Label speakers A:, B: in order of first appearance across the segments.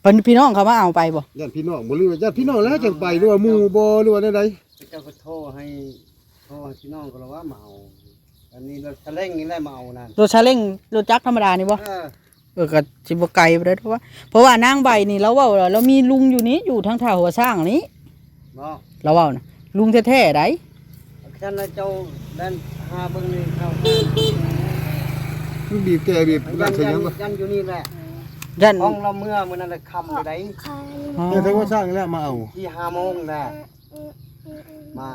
A: พิ่นพี่น้องเขามาเอาไปบ่
B: ญาติพี่น้องบ่หรือว่าญาติพี่น้องแล้วจังไปหรือว่าหมู่บ่หรือว่าใด
C: เจ้าก็โทรให้พี่น้องก็เลยว่ามาเอาอันนี้รถซาเล้งนี่แหละมาเอานั่น
A: รถซาเล้งรถจักรธรรมดานี่บ่ก็สิบ่ไกลไปได้เพราะว่านางใบนี่เราเว้าเรามีลุงอยู่นี้อยู่ทางท่าหัวสร้างนี้
C: บ่
A: เราเว้านะลุงแท้ๆได
C: ฉันน่ะเจ้าแล่นหาเบิ่งนี่เข้า
B: ๆมันบีบแกบีบนั่นใช่ยังบ่
C: ยันอยู่นี่แหละ
A: ยัน
C: ห้องเราเมื่อมื้อนั้นน่ะค่ำอยู่ได
B: แต่ถ้าว่าสร้างแล้วมาเอา
C: ที่5 โมงแหละมา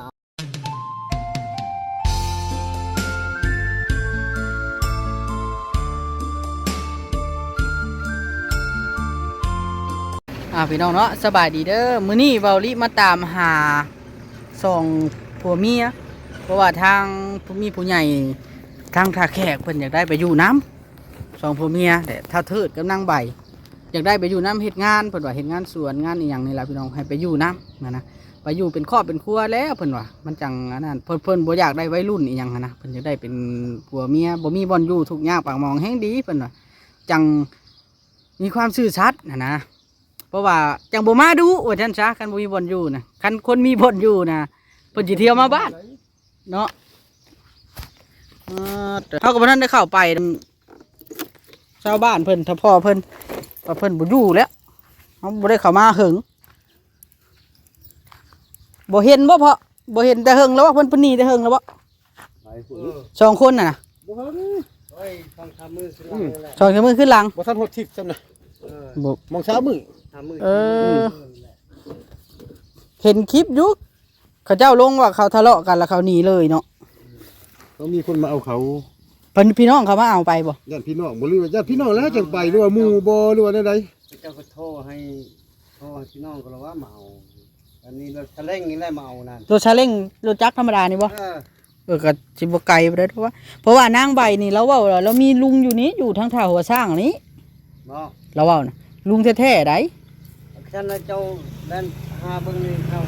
A: พี่น้องเนาะสบายดีเด้อมื้อนี้เว้าลิมาตามหาส่องผัวเมียเพราะว่าทางมีผู้ใหญ่ทางท่าแขกเพิ่นอยากได้ไปอยู่น้ำส่องผัวเมียแต่ถ้าเทิดกับนางใบอยากได้ไปอยู่น้ำเฮ็ดงานเพิ่นว่าเฮ็ดงานสวนงานอีหยังนี่ล่ะพี่น้องให้ไปอยู่น้ำนะไปอยู่เป็นครอบเป็นครัวแล้วเพิ่นว่ามันจังอันนั้นเพิ่นบ่อยากได้วัยรุ่นอีหยังนะเพิ่นอยากได้เป็นผัวเมียบ่มีบ่อนอยู่ทุกข์ยากปากหมองแฮงดีเพิ่นว่าจังมีความซื่อสัตย์นะเพราะว่าจังบ่มาดูว่าท่านซะคันบ่มีบ่อนอยู่นะคันคนมีบ่อนอยู่นะเพิ่นสิเที่ยวมาบ้านเนาะเฮาก็บ่ทันได้เข้าไปชาวบ้านเพิ่นถ้าพ่อเพิ่นว่าเพิ่นบ่อยู่แล้วเฮาบ่ได้เข้ามาหึงบ่เห็นบ่เพาะบ่เห็นแต่หึงแล้วว่าเพิ่นหนีแต่หึงแล้วบ่สองคนน่ะนะ
B: บ่ทัน
C: เฮ้ยฟังคำมือขึ้นหลังเลยแหละ
A: สองมือขึ้นหลัง
B: บ่ทันฮอดทิศซ้ำนะ
A: บ่
B: มองเช้ามื้อ
A: เห็นคลิปอยู่เขาเจ้าลงว่าเขาทะเลาะกันแล้วเขาหนีเลยเนาะ
B: เขามีคนมาเอาเขา
A: เพิ่นพี่น้องเขามาเอาไปบ่
B: ญาติพี่น้องบ่หรือว่าญาติพี่น้องแล้วจังไปหรือว่าหมู่บ่หรือว่าใด
C: เจ้าก็โทรให้พี่น้องก็เลยว่ามาเอาอันนี้รถซาเล้งนี่แหละมาเอานั่น
A: รถซาเล้งรถจักรธรรมดานี่บ่ก็สิบ่ไกลไปได้เพราะว่านางใบนี่เราเว้าเรามีลุงอยู่นี้อยู่ทางท่าหัวสร้างนี้
C: บ่
A: เราเว้านะลุงแท้ๆได
C: ฉันน่ะเจ้าแล่นหาเบิ่งนี่เข้า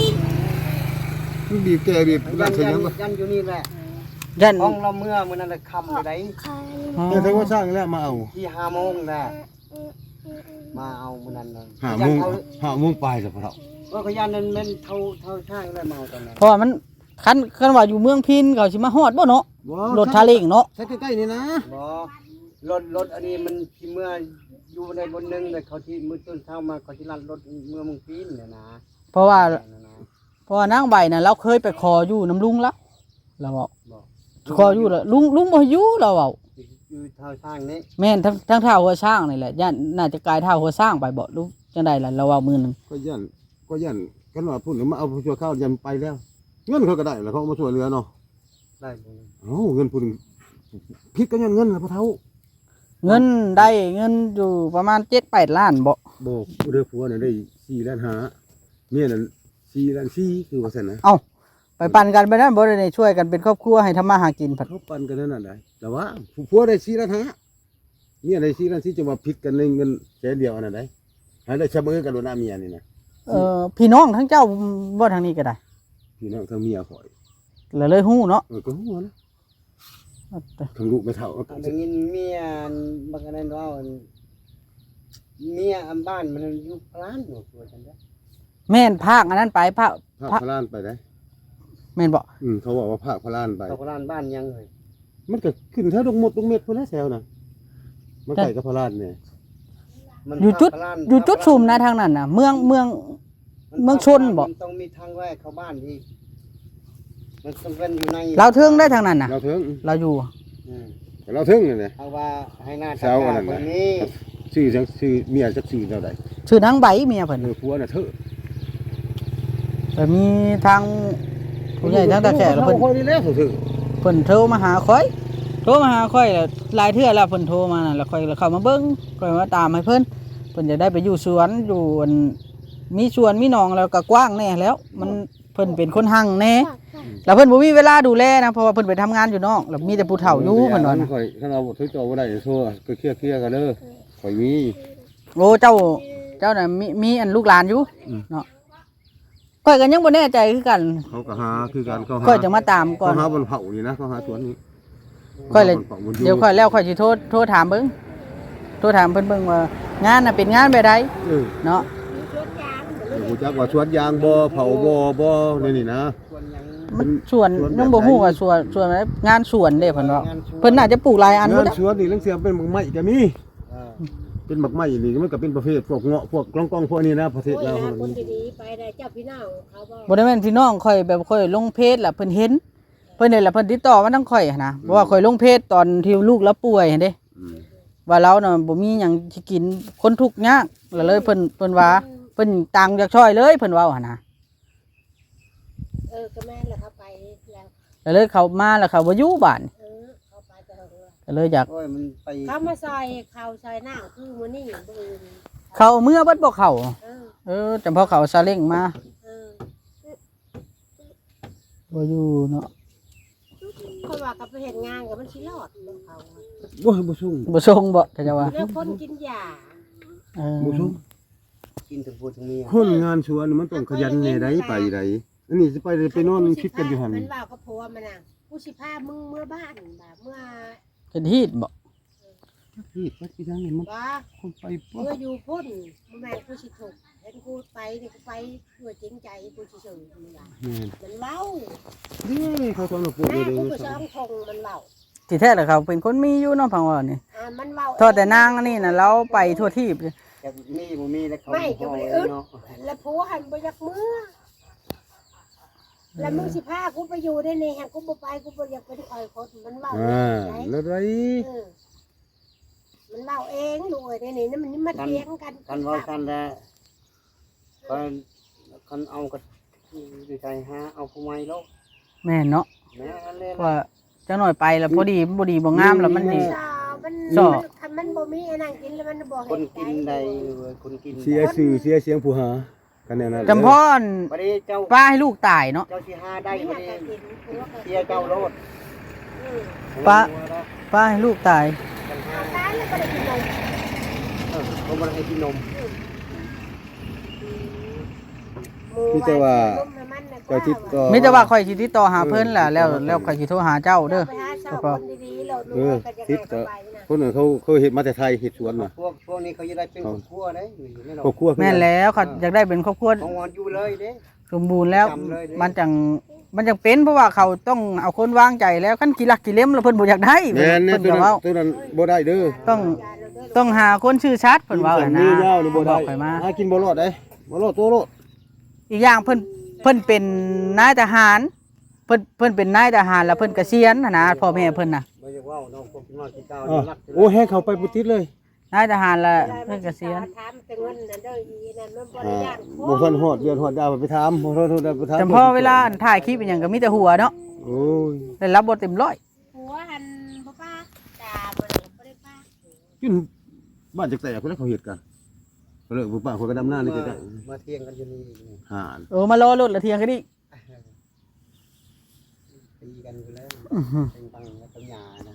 B: มันบีบแกบีบนั่นใช่ยังบ่
C: ยันอยู่นี่แหละ
A: ยัน
C: ห้องเราเมื่อมื้อนั้นน่ะค่ำอยู่ได
B: แต่ถ้าว่าสร้างแล้วมาเอา
C: ที่5 โมงแหละมาเอามื้อนั้นน่ะ
B: 5 โมงปลายซะพ่อเฒ่า
C: ก็ยันนั้นมันเท่าช่างแล้วมาเอาตอนนั้น
A: เพราะมันคันว่าอยู่เมืองพินเขาสิมาฮอดบ่เนาะรถซาเล้งเนาะ
B: ใกล้ๆนี่นะ
C: บ่รถอันนี้มันที่เมื่ออยู่ในบนนึงแต่เขาที่มื้อต้นเช้ามาเขาที่ลั่นรถเมื่อมึงพินเนี่ยนะ
A: เพราะว่านางใบน่ะเราเคยไปขออยู่น้ำลุงแล้วเราบอกขออยู่แล้วลุงบ่อยู่เราเว้า
C: อยู่ท่าช่างนี้
A: แม่นทั้งท่าหัวช้างนี่แหละย่านน่าจะกลายท่าหัวช้างไปบ่รู้จังได๋ล่ะเราเว้ามื้อนึง
B: ก็ย่านกันว่าพุ่นมาเอาชั่วข้าวยันไปแล้วเงินเขาก็ได้แล้วเขามาช่วยเหลือเนาะ
C: ได้
B: เงินพุ่นผิดก็ยันเงินล่ะพ่อเฒ่า
A: เงินได้เงินอยู่ประมาณ 7-8 ล้านบ่
B: เรือผัวน่ะได้4.5 ล้านเมียน่ะ4.4 ล้านคือว่าซั่นนะ
A: เอ้าไปปั่นกันไปนั่นบ่ได้ช่วยกันเป็นครอบครัวให้ทำมาหากิน
B: ผัดเขาปั่นกันนั่นน่ะได้แต่ว่าผัวได้4.5 ล้านเมียได้4.4 ล้านจะมาผิดกันในเงินแค่เดียวอันนั้นได้ให้ได้เสมอกันโดนหน้าเมียนี่นะ
A: พี่น้องทั้งเจ้าบ่ทางนี้ก็ได้
B: พี่น้องทั้งเมียข่อย
A: แล้วเลยฮู้เนาะ
B: ก็ฮู้นะทั้งลูกไม่เท่า
C: ได้ยินเมียบางอันนั้นว่าเมียอันบ้านมันอยู่พลานอยู่ตัวฉันเด้อ
A: แม่นภาคอันนั้นไปภาค
B: พลานไปได้
A: แม่นบ่
B: เขาบอกว่าภาคพลานไป
C: พลานบ้านยังเลย
B: มันก็ขึ้นแถวดงหมดดงเม็ดพุ่นแล้วแถวน่ะมันใกล้กับพลานเนี่ย
A: อยู่จุดชุมนะทางนั้นน่ะเมืองชนบ่
C: ต้องมีทางแวกเข้าบ้านอีกมันต้องเป็นอยู่ใน
A: เราเทิงได้ทางนั้นน่ะ
B: เราเทิง
A: เราอยู่
B: เราเทิงนี่แหละ
C: เอาว่าให้หน้าตาคนนี้
B: ชื่อเมียจักชื่อเท่าใด
A: ชื่อนางใบเมียเพิ่น
B: ผัวน่ะเถอะ
A: แต่มีทางผู้ใหญ่ทางตาแขกแล้วเพิ่น
B: นี่แล้วเ
A: พิ่นโทรมาหาค่อยแล้วหลายเทื่อแล้วเพิ่นโทรมาน่ะแล้วค่อยเข้ามาเบิ่งค่อยมาตามให้เพิ่นจะได้ไปอยู่สวนอยู่มีสวนมีหนองแล้วก็กว้างแน่แล้วมันเพิ่นเป็นคนหั่งแน่แล้วเพิ่นบ่มีเวลาดูแลนะเพราะว่าเพิ่นไปทำงานอยู่นอกแล้วมีแต่ผู้เฒ่าอยู่เพิ่นว่านะ
B: ข่อยถ้าเราบ่ถือจอบ่ได้โทรก็เคลียร์กันเด้อข่อยมี
A: โอ้เจ้าน่ะมีอันลูกหลานอยู่เนาะข่อยก็ยังบ่แน่ใจคือกัน
B: เขาก็หาคือกันเขาหา
A: ข่อยจะมาตามก่อน
B: เขาหาบนเผานี่นะเขาหาสวนนี้
A: ข่อยเลยเดี๋ยวข่อยแล้วข่อยสิโทรถามเบิ่งโทรถามเพิ่นเบิ่งว่างานน่ะเป็นงานแบบใดเนาะ
B: กูจักว่าสวนยางบ่เผาบ่นี่นะ
C: ส่วนหยัง
A: มันสวนยังบ่ฮู้ว่าสวนอะไรงานสวนเด้เพิ่นว่าเพิ่นน่าจะปลูกหลายอัน
B: งา
A: บ่
B: น
A: ได้
B: สวนนี่ลังเสียเป็นหมักไม้ก็มี
C: เออ
B: เป็นหมักไม้นี่มันก็เป็นประเภทพวกเงาะพวกกล้องพวกนี้นะประเทศเรา
D: คนดีๆไปได้เจ้าพี่น้องเขาบอก
A: บ่ได้แม่นพี่น้องข่อยแบบข่อยลงเพจล่ะเพิ่นเห็นเพิ่นนี่แหละเพิ่นติดต่อมาทางข่อยหั้นนะเพราะว่าข่อยลงเพจตอนที่ลูกเราป่วยหั่นเด้ว่าเราน่ะบ่มีหยังสิกินคนทุกข์ยากแล้วเลยเพิ่นว่าเพิ่นตังอยากช่วยเลยเพิ่นเว้าหั่นนะ
D: ก็แม่นแหละเขาไปแล้ว
A: แล้วเลยเขามาแล้วเขาบ่อยู่บ้าน
D: เขาไปแต่เรือ
A: ก็เลยอยาก
C: โอ้ยมันไป
D: เขามาซอยเขาซอยหน้าคือมื้อนี้บ่อื่น
A: เขาเอามื่อเบิดบ่เข้า
D: เออ
A: แต่พอเขาซาเล้งมา
D: เออ
A: บ่อยู่เนาะ
D: เขาว่าเขาไปเฮ็ดงานกับมันสิรอดของเขา
B: โอ้ยบ่สุ่ง
A: บ่ส่งบ่ถ้าจะว่า
D: แล้วคนกินยา
A: เออ
B: บ่สุ่ง
C: กินถึงพูดถึงเมีย
B: คนงานสวนมันต้องขยันแน่ใดไปใดอันนี้สิไปนอนคิดกันอยู่หั่น
D: มันว่ากับผัวมันน่ะกูสิพามึงเมื่อบ้านแบบเมื่อ
A: เป็นฮีดบ่
B: พี่ไปที่ทางนี้มัน
D: ว่า
B: คนไปบ่
D: เมื่ออยู่พุ่นแม่กูสิถูกเห็นกูไปนี่กูไปด้วยจริงใจกูสิสื่อมึงว่า
B: แม่น
D: มันเล่า
B: นี่เขาทำระบบ
D: แม่
B: เด้
D: กู
B: อ
D: ก็ซ้อมคงมันเล่า
A: ที่แท้แล้วเขาเป็นคนมีอยู่เนาะพังว่านี่
D: มันเว้า
A: โทษแต่นางอันนี่น่ะเราไปทั่วที่
C: แต่มีบ่มีแล้วเขา
D: ไม่ก็บ่ได้อึด
C: เนาะ
D: แล้วผัวหันบ่อยากมือแล้วมึงสิพากูไปอยู่ได้นี่แฮงกูบ่ไปกูบ่อยากเป็นคอยคนมันเว้า
B: แล้วไร
D: เออมันเว้าเองลูกเอ้ยได้นี่นั่นมันมาเถียงกัน
C: กันเว้ากันแล้วกันเอาก็ดีใจหาเอาผู้ใหม่แล้ว
A: แม่นเนาะ
C: แม่อันเล่น
A: ว่าจังหน่อยไปแล้วบ่ดีบ่งามแล้วมันนี่
D: คันมันบ่มีอันนั้นกินแล้วมันบ่
C: คน
D: เฮ็ด
C: กินใดคนกิน
B: เสียสื่อเสียเสียงผู้หากันแน่นั้น
A: จำพ่อน
C: บัดนี้เจ้า
A: ป้าให้ลูกตายเนาะ
C: เจ้าสิหาได้
D: ได้
C: บั
D: บ่
C: ด
D: ได้
C: นี้
D: กินผัวก็
C: เสียเจ้าโลด
A: ป้าให้ลูกตาย
D: ตายแล้วบ่ได้กินนม
C: เขาบ่ได้ให้กินนม
B: พี่จะว่าเจ้าทิศก็
A: มีแต่ว่าข่อยสิติดต่อหาเพิ่นล่ะแล้วข่อยสิโทรหาเจ้าเด้อ
D: ไปหาชาวคนดีๆแล้ว
B: เออ
D: ทิ
B: ทิ
D: ศ
B: ศ
D: ก็
B: ก็คนอื่นเขาเฮ็ดมาแต่ไทยเฮ็ดสวนน่ะ
C: พวกนี้เขาจะได้เป็นครอบครัวได้ไม่หรอ
B: ครอบครัว
A: แม่นแล้วเขาอยากได้เป็นครอบครัว
C: ของวันอยู่เลยเด้
A: สมบูรณ์แล้ว
C: จำเลยเด้
A: มันจังเป็นเพราะว่าเขาต้องเอาคนวางใจแล้วคันกี่ลักกี่เล่มแล้วเพิ่นบ่อยากได้
B: แม่น
A: เพิ่น
B: ตัว
A: ก็
B: นั้น
A: เว้า
B: ตัวนั้นบ่ได้เด้อ
A: ต้องหาคนชื่อชัดเพิ่นเว้า
B: น่ะ
A: น่ะ
B: มี
A: นะ
B: ยาวนี่บ่ได้
A: บอกข่อยมา
B: หากินบ่รอดเด้บ่รอดตัวรอด
A: อีกอย่างเพิ่นเป็นนายทหารเพิ่นเป็นนายทหารแล้วเพิ่นเกษียณน่ะนะพ่อแม่เพิ่นน่ะ
C: ไม่ใช่ว่าน้องพวกน้อยที่เก้า
B: อ้อ
C: รัก
B: โอ้แฮเข้าไปบ่ติดเลย
A: นายทหารแล้วเพิ่นเกษียณ
D: ถามเป็นเงินนั่นเด้ออีนั่นมันบ่ได้ย่าน
B: บ่ทันฮอดเดือนฮอดดาวไปถามบ่ทันฮอดดาวไปถาม
A: แต่พอเวลาถ่ายคลิปอหยังก็มีแต่หัวเนาะ
B: โอ้ย
A: ได้รับบทเต็มร้อย
D: ผัวหันบ่ป้าตาบ่ได้บ่ได้ป้า
B: กินบ้านจักแตกเพิ่นเขาเฮ็ดกันก็เลยบ่ป้าคนก็ดำหน้านี่ก็ได้
C: มาเที่ยงกันอยู่นี่
B: หาน
A: เออมารอรถละเทียงกันดิ
C: ตีกันอยู่แล้วเป็นตังแล้วปัญญานะ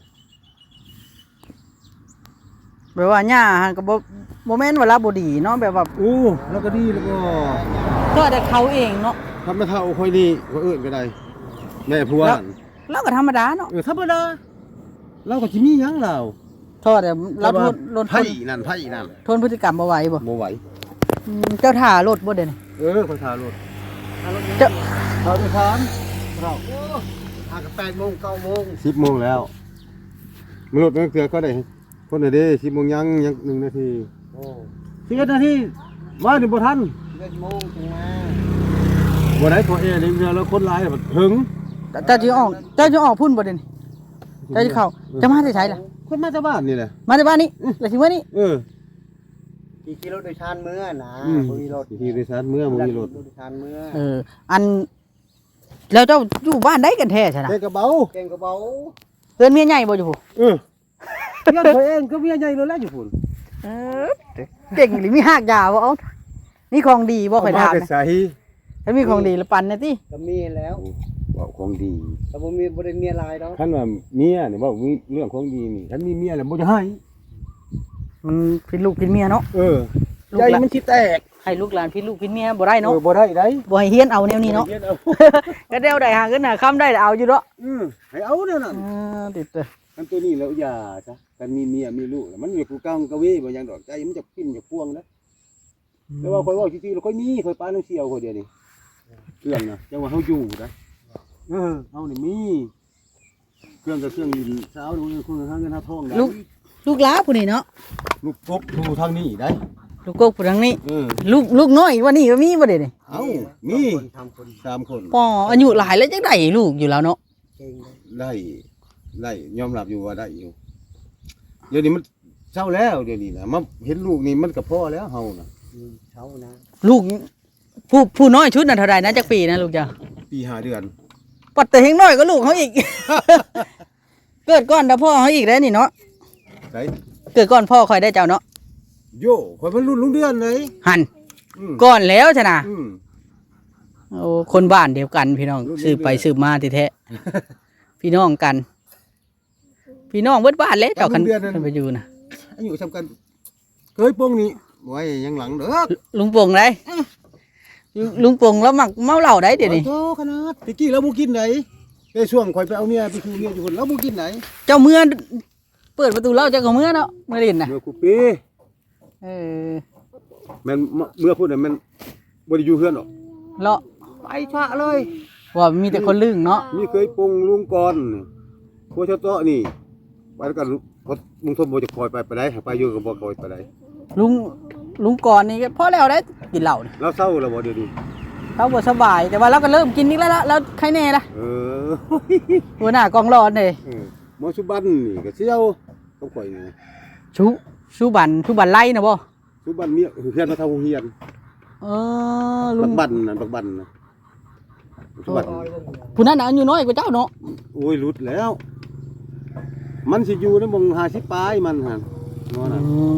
A: แบบว่าหญ้าหันก็บ่แม่นว่ารับบ่ดีเนาะแบบว่า
B: โอ้แล้วก็ดีแล้วก็
A: ก็แต่เขาเองเนาะ
B: ทำมาเท่าค่อยดีว่าเอิ้นก็ได้แม่ผัวนั่น
A: เราก็ธรรมดาเนาะ
B: ธรรมดาเราก็สิมีหยังเรา
A: โทษแต่เราทน
B: ไผ่นั่นไผ่นั่น
A: ทนพฤติกรรมบ่ไหวบ่
B: บ่ไหว
A: เจ้าท่ารถบ่เด้นี่
B: คนทารถ
A: เจ้า
B: เราไปถามเรา
C: หากับ8 โมง 9 โมง
B: 10 โมงแล้วมนุษย์มันเกลือก็ได้คนไหนเด้10 โมงยัง1 นาที
C: โอ้
B: 11 นาทีมาถึงบ่ทัน
C: 11 โมงถึงมา
B: บ่ได้ตัวนี่เรือแล้วคนหลายแบบถึง
A: เจ้าสิออกพุ่นบ่เด้นี่เจ้าสิเข้าจะมาที่ไสล่ะ
B: คนมาจากบ้านนี่แหละ
A: มาที่บ้านนี้แล้วสิมื้อนี้
C: กี่กิโลโดยชานเมื่อนะ
B: บ่
C: มีรถ
B: ที่โดยสารเมื่อบ่มีรถ
C: โดยชานเมื่อ
A: อันแล้วเจ้าอยู่บ้านใดกันแท้ใช่ล่ะ
B: แต่กระเป๋า
C: เก่งกระเป๋า
A: เอิ้นเมียใหญ่บ่อยู่พุ่น
B: เมียตัวเองก็เมียใหญ่แล้วแหละอยู่พุ่น
A: เก่งหรือมีหากยาบ่เอานี่ของดีบ่ค่อยถาม
B: แต่
A: นะ
B: ใส่
A: ถ้ามีของดีแล้วปันนะติ
C: ก็มีแล้ว
B: ว่าของดี
C: แต่บ่มีบ่ได้มีอะไรดอก
B: ท่านว่าเมียนี่บอกมีเรื่องของดีนี่ท่านมีเมียแล้วบ่จะให้
A: มันพิดลูกพิดเมียเนาะ ลูก
B: ใจ
A: หลาน
B: มันคิดแตก
A: ให้ลูกหลานพิดลูกพิดเมียบ่ได้เนาะ
B: บ่ได้ได้
A: บ่ให้เฮียนเอาแนวนี้เนาะ
B: ฮ็ดเอา
A: ก็เดียวได้หาเงินหาค่ำได้เอาอยู่เนาะ
B: ให้เอาเด้อนั่น
A: ติดเด้อ
B: มันตัวนี้แล้วอย่าซะกันมีเมียมีลูกแล้วมันอยู่กูกังกะเว้บ่หยังดอกใจมันจะปิ้นจะพ่วงนะแต่ว่าข่อยเว้าจริงๆแล้วข่อยมีข่อยปาน้ำเสียวข่อยเดียวนี่เครื่องนะจังว่าเฮาอยู่นะเฮานี่มีเครื่องกับเครื่องดินเช้าดูเครื่องหาเงินหาทองได้
A: ลูกหล้าผู้นี่เนาะ
B: ลูกกบดูทางนี้ได้
A: ลูกกกผู้ทางนี้
B: เออ
A: ลูกน้อยว่านี่ก็มีบ่ได้นี่
B: เอ้ามี3คน
A: ป่ออายุหลายแล้วจังได๋ลูกอยู่แล้วเนาะ
C: เก่งเลย
B: ได้ยอมรับอยู่ว่าได้อยู่เดี๋ยวนี้มันเช้าแล้วเดี๋ยวนี้นะมาเห็นลูกนี่มันก็พอแล้วเฮานะ
C: เช้านะ
A: ลูกผู้น้อยชุดน่ะเท่าใดนะจักปีนะลูกจ้ะ
B: ปี5เดือน
A: ปัดแต่เฮงน้อยก็ลูกเขาอีก เกิดก่อนแต่พ่อเขาอีกแล้วนี่เนาะ
B: ไส
A: เกิดก่อนพ่อคอยได้เจ้าเนาะ
B: โยข่อยมันรุ่นลุงเดือนเลย
A: หัน
B: อืม
A: ก่อนแล้วชนะ
B: อืม
A: โอ้คนบ้านเดียวกันพี่น้อง
B: รุ่น
A: สืบไป
B: เดียว
A: สืบมาแท้ๆ พี่น้องกัน พี่น้องเบิดบ้านเลยเจ้าคันคันไปอยู่นะ
B: อายุสำคัญเคยโป้งนี่ไว้ยังหลังเด้อ
A: ลุงปงได้ลุงปงแล้วมักเมาเหล้าได้เดี๋ยวนี้
B: โตขนาดตะกี้เราบ่กินไหนในช่วงข่อยไปเอาเมียไปคือเมียอยู่คนเราบ่กินไหน
A: เจ้าเมื่อเปิดประตูเหล้าเจ้าก็เมื่อเนาะเมื่อดินนะ
B: เมื่อกูปี
A: เออ
B: แม่นเมื่อพูดน่ะแม่นบ่ได้อยู่เฮือนหรอก
A: เลาะ
B: ไปชะเลย
A: ว่ามีแต่คนลึงเนาะ
B: มีเคยโป้งลุงก่อนพวกเจ้าโตนี่ไปแล้วกันพอลุงสมบ่จะคอยไปได้ไปอยู่ก็บ่คอยไปได้
A: ลุงก่อนนี่ก็พอแล้วได้กินเหล้านี่
B: เราเศร้าแล้วบ่เดี๋ยวนี้
A: เราบ่สบายแต่ว่าเราก็เริ่มกินนี่แล้วละแล้วใครแน่ล่ะ
B: เออ
A: หัวหน้ากองร้อนเลย
B: หมอสุบันนี่ก็เสี่ยวต้องข่อยนี่
A: ชูบันไล่นะบ่
B: สุบันเมียเฮือนมาเท่าเฮียน
A: เออลุ
B: บั
A: ง
B: กบันน่ะบักบันน่ะสุบัน
A: ผู้นั้นน่ะอายุน้อยกว่าเจ้าเนาะ
B: โอ้ยหลุดแล้ว มันสิอยู่ในหมอง50ปลายมันหั่นเนาะน่ะ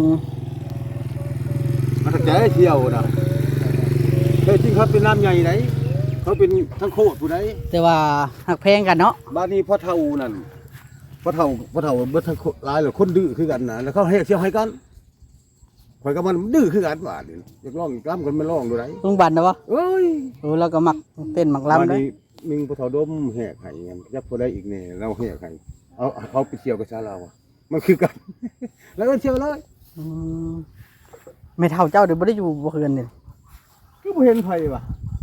B: มันตะแกเที่ยวน่ะแต่จริงครับเป็นน้ำใหญ่ไหนเขาเป็นทั้งโคตรผู้ใด
A: แต่ว่าหักแพงกันเนาะ
B: บ้านนี้พ่อเฒ่านั่นพ่อเฒ่าเบิดทั้งหลายเลยคนดื้อคือกันน่ะแล้วเขาให้เที่ยวให้กันข่อยกับมันดื้อคือกันว่านี่อยากร้องกล้ามกันมันร้องดูได
A: ลุงบันนะบ่
B: เอ้ย
A: โอ้แล้วก็มักเต้นมัก
B: บ้าน
A: ลำได้
B: นี้มึงพ่อเฒ่าดมแหกให้กันยักผู้ใดอีกแน่เราแหกให้เอาเขาไปเที่ยวกับชาเราอ่ะมันคือกัน แล้วก็เที่ยวเลย
A: อืมไม่เท่าเจ้าเดี๋ยวบ่ได้อยู่บ่คืนนี่
B: ก็บ่เห็นไผว่ะ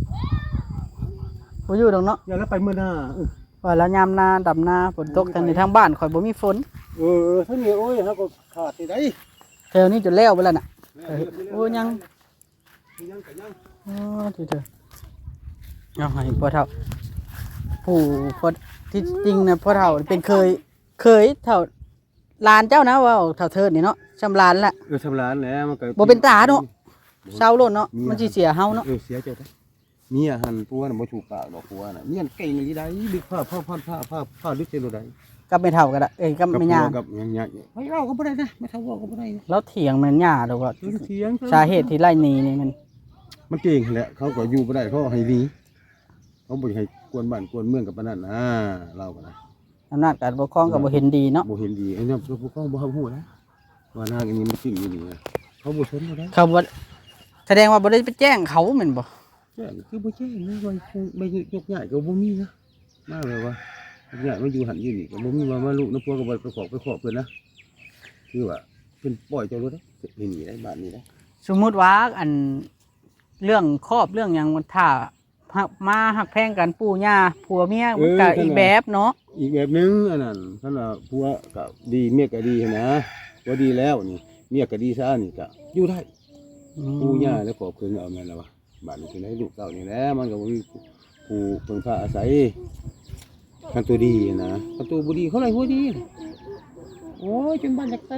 A: บ่อยู่ดอกเนาะ
B: อย่าแล้วไปมื้อหน้า
A: ว่าแล้วยามนาดำนาฝนตกทางในทางบ้านข่อยบ่มีฝน
B: ทั้งนี้โอ้ยเฮาก็ขาดที่ใด
A: แถวนี้จนแล้วไปแล้วน่ะโอ้ยัง
B: ยังก็ยัง
A: อ๋อที่เถอะเอาให้พ่อเฒ่าผู้พ่อที่จริงนะพ่อเฒ่าเป็นเคยเฒ่าหลานเจ้านะว่าเฒ่าเทิดนี่เนาะชำลานละ
B: ชำนาญแล้วมันก็
A: บ่เป็นตาเนาะเศร้าโลดเนาะมันสิเสียเฮาเนาะ
B: เสียใจได้เมียหันปัวน่ะบ่ถูกปากดอกปัวน่ะเมียนเก่งอีได้ดึกผ้าดึกเจโลได้
A: กับไม่เฒ่าก็ได้กับไม่ย่า
B: กับยังเฮ้ยเราก็บ่ได้นะไม่เท่าว่าก็บ่ได้นะ
A: แล้วเถียงมันย่าดอกว่า
B: เถียง
A: สาเหตุที่ไล่หนีนี่มัน
B: เก่งแหละเขาก็อยู่บ่ได้เขาให้หนีเขาบ่ให้กวนบ้านกวนเมืองกับปานนั้นนะเราก็นะ
A: อำนาจการปกครองก็บ่เห็นดีเนาะ
B: บ่เห็นดีไอ้เนี่ยพวกเขาบ่ฮู้นะว่านางอันนี้มันจริงอยู่นี่นะเขาบ่สนบ่ได้
A: เขาบ่แสดงว่าบ่ได้ไปแจ้งเขาแม่นบ่
B: แจ้งคือบ่แจ้งนะว่าไม่ยกย้ายก็บ่มีนะมาเลยว่ายกย้ายมาอยู่หันอยู่นี่ก็บ่มีว่ามาลูกน้ำพัวก็บ่ไปขอเพิ่นนะคือว่าเพิ่นปล่อยเจ้ารถได้หนีได้บ้านนี้ได้
A: สมมุติว่าอันเรื่องครอบเรื่องหยังมันถ้ามาหักแพงกันปู่ย่าผัวเมียมันก็อีกแบบเนาะ
B: อีกแบบนึงอันนั้นท่านว่าผัวก็ดีเมียก็ดีนะผัวดีแล้วนี่เมียก็ดีซะนี่ก็อยู่ได้ปู่ย่าแล้วขอเพิ่นเอาแม่นแล้วว่าบ้านนี้สิได้ลูกเต้านี่แหละมันก็บ่มีผู้เพิ่งพาอาศัยคันตัวดีนะคันตัวบ่ดีเขาไล่หัวดีโอ้ยจนบ้านจักเตอ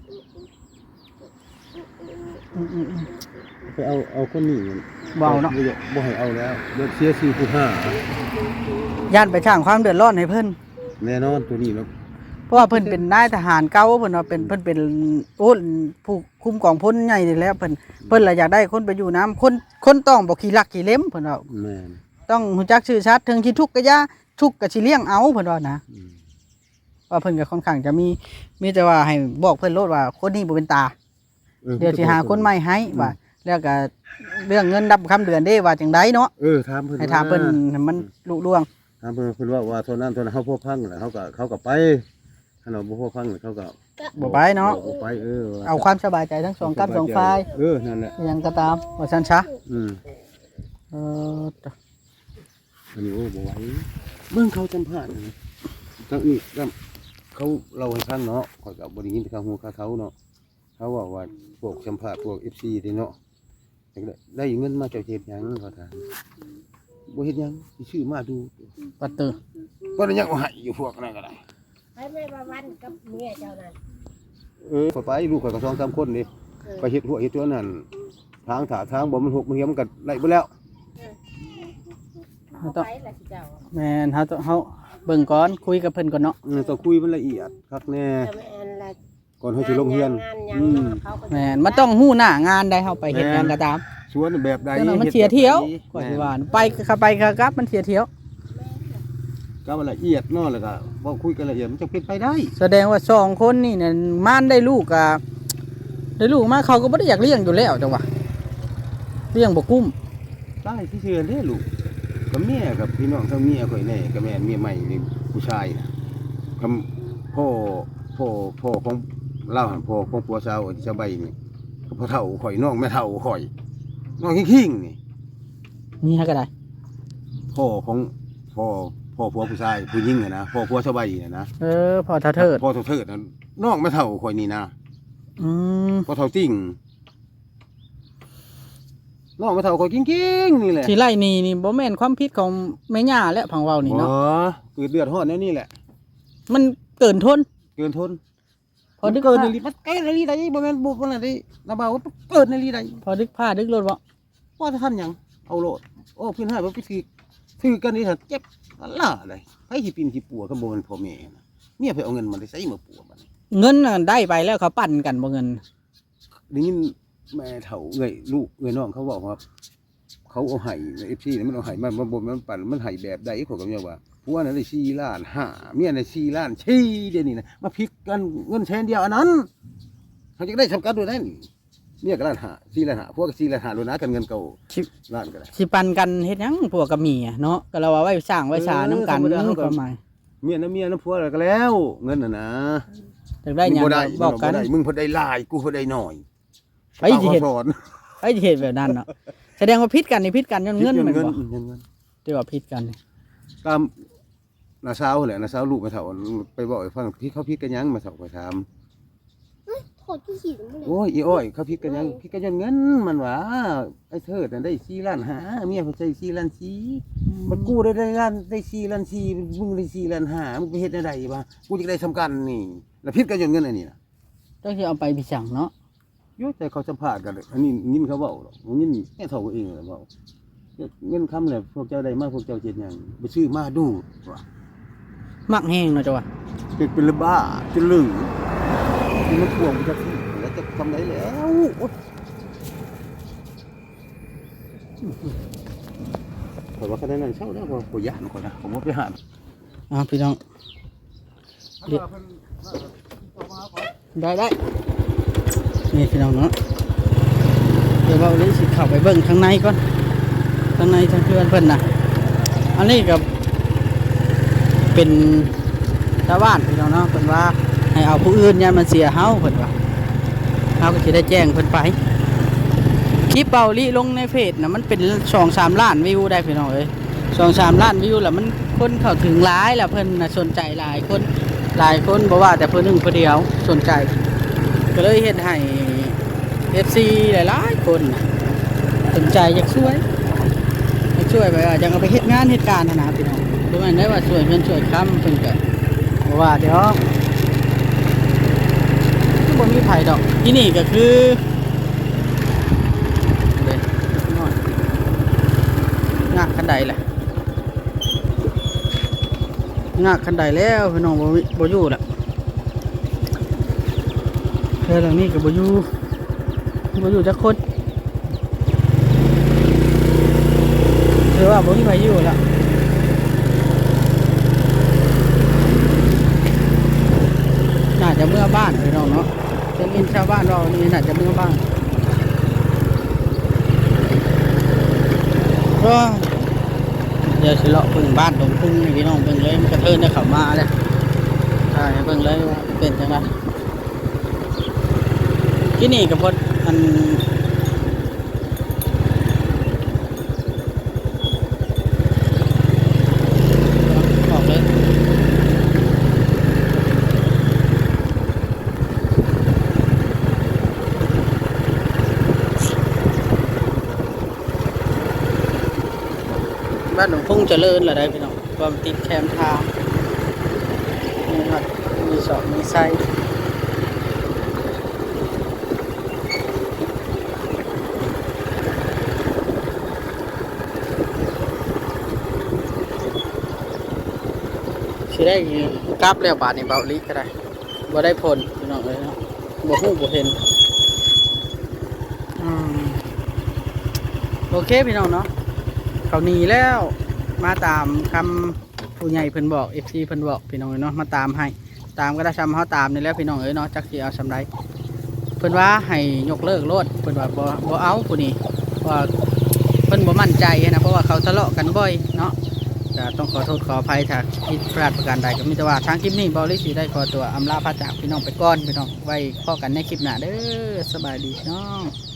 B: ไปเอาคนนี้
A: เบาเนาะ
B: บ่ให้เอาแล้วเดี๋ยวเสีย4ผู้ห้า
A: ย่านไปสร้างความเดือดร้อนให้เพิ่น
B: แน่นอนตัวนี้เนาะ
A: เพราะว่าเพิ่นเป็นนายทหารเก่าเพิ่นว่าเพิ่นเป็นโอ้ผู้คุมกองพลใหญ่นี่แหล้วเพิ่นล่ะอยากได้คนไปอยู่น้ำคนต้องบ่ขี้ลักขี้เล็มเพิ่นว่า
B: แม่น
A: ต้องรู้จักชื่อชัดถึงสิทุกข์ก็อย่าทุกข์ก็สิเลี้ยงเอาเพิ่นว่านะ
B: อืม
A: ว่าเพิ่นก็ค่อนข้างจะมีแต่ว่าให้บอกเพิ่นโลดว่าคนนี้บ่เป็นตาเดี๋ยวสิหาคนใหม่ให้ว่าแล้วก็เรื่องเงินดับคำเดือนเด้ว่าจังไดเนาะ
B: ถามเพิ่น
A: ให้ถามเพิ่นให้มันลุล่วง
B: ถามเพิ่นว่าเท่านั้นเฮาพวกพังแล้วเขาก็ไปถ้าเราบ่พอฟังเขาก็
A: บ่ไปเนาะ
B: บ่ไป
A: เอาความสบายใจทั้งสองกับสองฝ่าย
B: นั่นแหละ
A: ยังก็ตามว่าซั่นซะ เออ
B: อันนี้โอ้บ่ไหวเบิ่งเขาจำพาดนะทั้งนี้ก็เขาเราให้ฟังเนาะข่อยก็บ่ได้ยินข่าวฮู้ข่าวเขาเนาะเขาบอกว่าพวกสัมภาษณ์พวก FC นี่เนาะได้เงินมาเจ้าเฮ็ดหยังเขาถามบ่เฮ็ดหยังสิชื่อมาดู
A: ปัตเตอร์
B: บ่ได้ยังเอาให้อยู่พวกนั้นก็ได้
D: ไปแม่มาวันกับเมียเจ้านั่น
B: ข่อยไปลูกข่อยก็2-3คนนี่ไปเฮ็ดหัวเฮ็ดตัวนั้นทางถาทางบ่มันหกมันเหี่ยมันก็ไล่เบิดแล้ว
D: เขาไปละสิเจ้า
A: แม่นเฮาเบิ่งก่อนคุยกับเพิ่นก่อนเนาะ
B: ต้องคุยมันละเอียดคักแน่
D: แต่แม่นละ
B: ก่อนเฮาสิลงเรียน
D: งานยังเนาะเขาก็
A: แม่นมันต้องฮู้หน้างานได้เฮาไปเฮ็ดหยังก็ตาม
B: สวนแบบใด
A: แต่มันเสียเที่ยวกว่าสิว่าไปก็ไปก็กลับมันเสียเที่ยว
B: ก็ละเอียดเนาะแล้วก็บ่คุยกันละเอียดมันจะเป็นไปได้
A: แสดงว่าสองคนนี่เนี่ยม่านได้ลูกอะได้ลูกมาเขาก็บ่ได้อยากเลี้ยงอยู่แล้วจังหวะเลี้ยงบ่กุ้ม
B: ได้ที่เชื่อเด้ลูกกับเมียกับพี่น้องทั้งเมียข่อยแน่กับแม่เมียใหม่นี่ผู้ชายน่ะกับพ่อของเราหั่นพ่อของผัวสาวที่ชาวใบนี่กับพ่อเฒ่าข่อยน้องแม่เฒ่าข่อยน้องขิงๆนี่
A: นี่ฮะก็ได้
B: พ่อของพ่อผัวผู้ชายผู้หญิงนะพ่อผัวชาวใบน่ะนะ
A: พอเท่าเถิด
B: พ่อเฒ่าเถิดน่ะน้องแม่เฒ่าข่อยนี่นะ
A: อืม
B: พ่อเฒ่าจริงน้องแม่เฒ่าข่อยจริงๆนี่แหละ
A: ที่ไล่นี่บ่แม่นความผิดของแม่ย่าและพังเว้านี่เนาะ
B: เกิดเดือดร้อนแนวนี้แหละ
A: มันเกินทน
B: เกินทน
A: พอดึก
B: เกิน
A: ผ้า
B: ในลีมันเกินในลีได้บ่แม่นบุกมันน่ะดิระบาว่าเกินในลีได้
A: พอดึกผ้าดึกรถบ่
B: ว่าท่านหยังเอาโลดโอ้พี่นให้บ่พิธีถือกันนี่ถ้าเจ็บล่าอะไรไผสิปินสิปัวก็บ่แม่นพ่อแม่นะเมียไปเอาเงินมาได้ใส่มาปัวบัดนี้
A: เงินน่ะได้ไปแล้วเขาปั่นกันบ่เงิน
B: ได้ยินแม่เฒ่าเอ้ยลูกเอ้ยน้องเขาบอกว่าเขาเอาให้ FC นี่มันเอาให้มันบ่มันปั่นมันให้แบบใดเขาก็เมียว่าผัวน่ะได้4 ล้าน5เมียน่ะ4 ล้าน4เดี๋ยวนี้นะมาผิดกันเงินแสนเดียวอันนั้นเขาจะได้ทำกันด้วยนั่นเมียก็ล้าน5 4 ล้าน5ผัวก็4 ล้าน5รู้นะกันเงินเก่าล้านก็ได้
A: สิปั่นกันเฮ็ดหยังพวกกับเมียเนาะก็เราว่าไว้สร้างไว้สานํกันความหมาย
B: เมียน้ำผัวอะไรก็แล้วเงินน่ะนะ
A: อยากได้หยัง
B: มึบ่
A: บอกกัน
B: บ่ได้มึงพอได้หลายกูพอได้น้อย
A: ไปสิเฮ็ด
B: สอน
A: ไปสิเฮ็ดแบบนั้นเนาะแสดงว่าผิดกันนี่ผิดกันย้อนเงินแม่นบ่
B: เงิน
A: ที่ว่าผิดกันนี่
B: ตามน้าสาวแหละน้าสาวลูกมาเฒ่าไปบอกให้ฟังพี่เขาพิดกันยังมาเฒ่าไปถาม
D: โคตรที่หินเลย
B: โอ้ยอีอ้อยเขาพิดกันยังพิดกันย้อนเงินมันว่าไอ้เถิดน่ะได้4 ล้าน5เมียเขาใช้4 ล้าน4มันกูได้ล้านได้4 ล้าน4มึงได้4 ล้าน5มึงไปเฮ็ดได้บ่กูจะได้ทำกันนี่แล้วพิดกันย้อนเงินอันนี้น่ะ
A: ต้องสิเอาไปพิสั่งเนาะ
B: โยแต่เขาสัมภาษณ์กันเลยอันนี้ยินเขาเบาหรอกยินแค่เท่าเองเลยเบาเงินคำเลยพวกเจ้าได้มากพวกเจ้าเจ็ดอย่างไปซื้อมาดูว่ะ
A: มักแห้งเนาะจ้ะว่า
B: เป็นระบ้าจะลึงที่มันทวงมันจะที่แล้วจะทำไรแล้วแต่ว่าคะแนนนั้นเช่าแล้วพอหยาดก่อนนะผมว่าไปหา
A: พี่น้องได้นี่พี่น้องเนาะเดี๋ยวเราเลยสิเข้าไปเบิ่งข้างในก่อนข้างในทางเพื่อนเพิ่นน่ะอันนี้ก็เป็นชาวบ้านพี่น้องเนาะเพิ่นว่าให้เอาผู้อื่นอย่ามันเสียเฮาเพิ่นว่าเฮาก็สิได้แจ้งเพิ่นไปคลิปเบาลิลงในเพจน่ะมันเป็น 2-3 ล้านวิวได้พี่น้องเอ้ย 2-3 ล้านวิวแล้วมันคนเข้าถึงหลายแล้วเพิ่นน่ะสนใจหลายคนบ่ว่าแต่เพิ่นหนึ่งเพิ่นเดียวสนใจก็เลยเฮ็ดให้ FC หลายๆคนน่ะสนใจอยากช่วยไปว่าจังเอาไปเฮ็ดงานเฮ็ดการนะพี่น้องบ่แม่นได้ว่าช่วยเงินช่วยคำเพิ่นก็บ่ว่าเดี๋ยวบ่มีไผดอกที่นี่ก็คือเด้น้อยงากคันใดล่ะงากคันใดแล้วพี่น้องบ่อยู่ล่ะเฮือหลังนี้ก็บ่อยู่จักคนถือว่าบ่มีไผอยู่ล่ะน่าจะเมื่อบ้านพี่น้องเนาะจะมีชาวบ้านเรานี่น่าจะเมื่อบ้านก็เดี๋ยวสิเลาะพึ่งบ้านตรงพึ่งนี่พี่น้องเบิ่งเลยมันกระเทินได้เข้ามาเลยถ่ายให้เบิ่งเลยว่าเป็นจังไดที่นี่ก็พดอันออกเลยบ้านหนองพุ่งเจริญละได้พี่น้องความติดแคมทางนี่ครับมีสอบมีไส้สิได้กลับแล้วบาทในเบาลิก็ได้บ่ได้ผลพี่น้องเลยเนาะบ่ฮู้บ่เห็นโอเคพี่น้องเนาะเขาหนีแล้วมาตามคำผู้ใหญ่เพิ่นบอก FC เพิ่นบอกพี่น้องเนาะมาตามให้ตามก็ได้ซ้ำเฮาตามนี่แล้วพี่น้องเอ้ยเนาะจักสิเอาสำไรเพิ่นว่าให้ยกเลิกโลดเพิ่นว่าบ่เอาผู้นี้ว่าเพิ่นบ่มั่นใจนะเพราะว่าเขาทะเลาะกันบ่อยเนาะก็ต้องขอโทษขออภัยถ้าผิดพลาดประการใดก็มีแต่ว่าทางคลิปนี้เบาลิสิได้ขอตัวอำลาพระจากพี่น้องไปก่อนพี่น้องไว้พบกันในคลิปหน้าเด้อสบายดีพี่น้อง